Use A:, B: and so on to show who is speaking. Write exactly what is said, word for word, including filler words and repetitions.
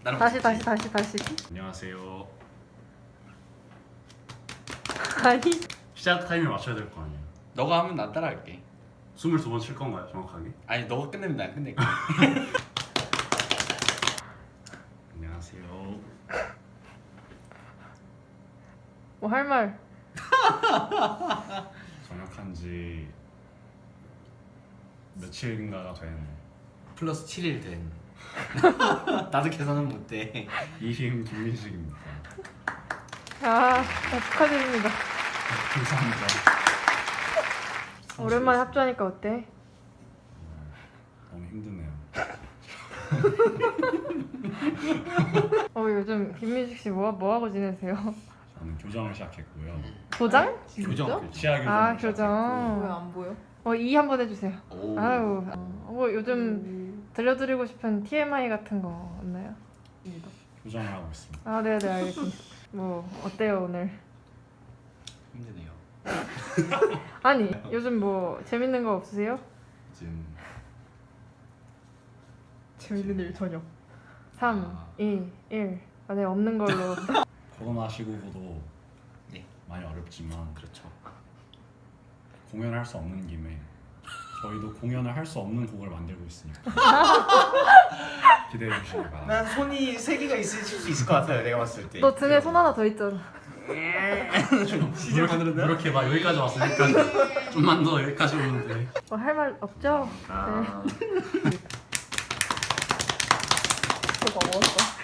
A: 나랑
B: 다시
A: 같이.
B: 다시 다시 다시.
C: 안녕하세요.
B: 아니
C: 시작 타이밍 맞춰야 될 거 아니에요.
A: 너가 하면 난 따라할게.
C: 스물두 번 칠 건가요, 정확하게?
A: 아니 너가 끝내면 난 끝낼게.
C: 안녕하세요.
B: 뭐 할 말.
C: 전역한 지 며칠인가가 된
A: 플러스 칠 일 된. 나도 계산은 못돼.
C: 이힘 김민식입니다.
B: 아, 네, 축하드립니다.
C: 감사합니다.
B: 오랜만에 합주하니까 어때?
C: 너무 힘드네요.
B: 어 요즘 김민식 씨 뭐 뭐 하고 지내세요?
C: 저는 교정을 시작했고요.
B: 도장?
A: 교정. 교정.
C: 치아 교정을
B: 아
C: 시작했고
B: 교정.
D: 왜 안 보여?
B: 어이 한번 해주세요.
A: 오.
B: 아유, 어, 뭐 요즘 들려드리고 싶은 티엠아이 같은 거 없나요?
C: 교정을 하고 있습니다.
B: 아 네네 알겠습니다. 뭐 어때요 오늘?
A: 힘드네요.
B: 아니 요즘 뭐 재밌는 거 없으세요?
C: 지금
D: 재밌는 일 저녁.
B: 삼,
A: 아.
B: 이, 일. 아, 네 없는 걸로.
C: 코로나 시국으로
A: 네.
C: 많이 어렵지만
A: 그렇죠.
C: 공연을 할 수 없는 김에 저희도 공연을 할 수 없는 곡을 만들고 있으니까 기대해 주시기 바랍니다.
E: 난 손이 세 개가 있을 수 있을 것 같아요. 내가 봤을 때.
B: 너 등에 손 하나 더 있잖아.
C: 이렇게, 이렇게 막 여기까지 왔으니까 좀만 더 여기까지 오는데
B: 뭐 할 말 없죠?
E: 아.
B: 네.
D: 그거 먹었어.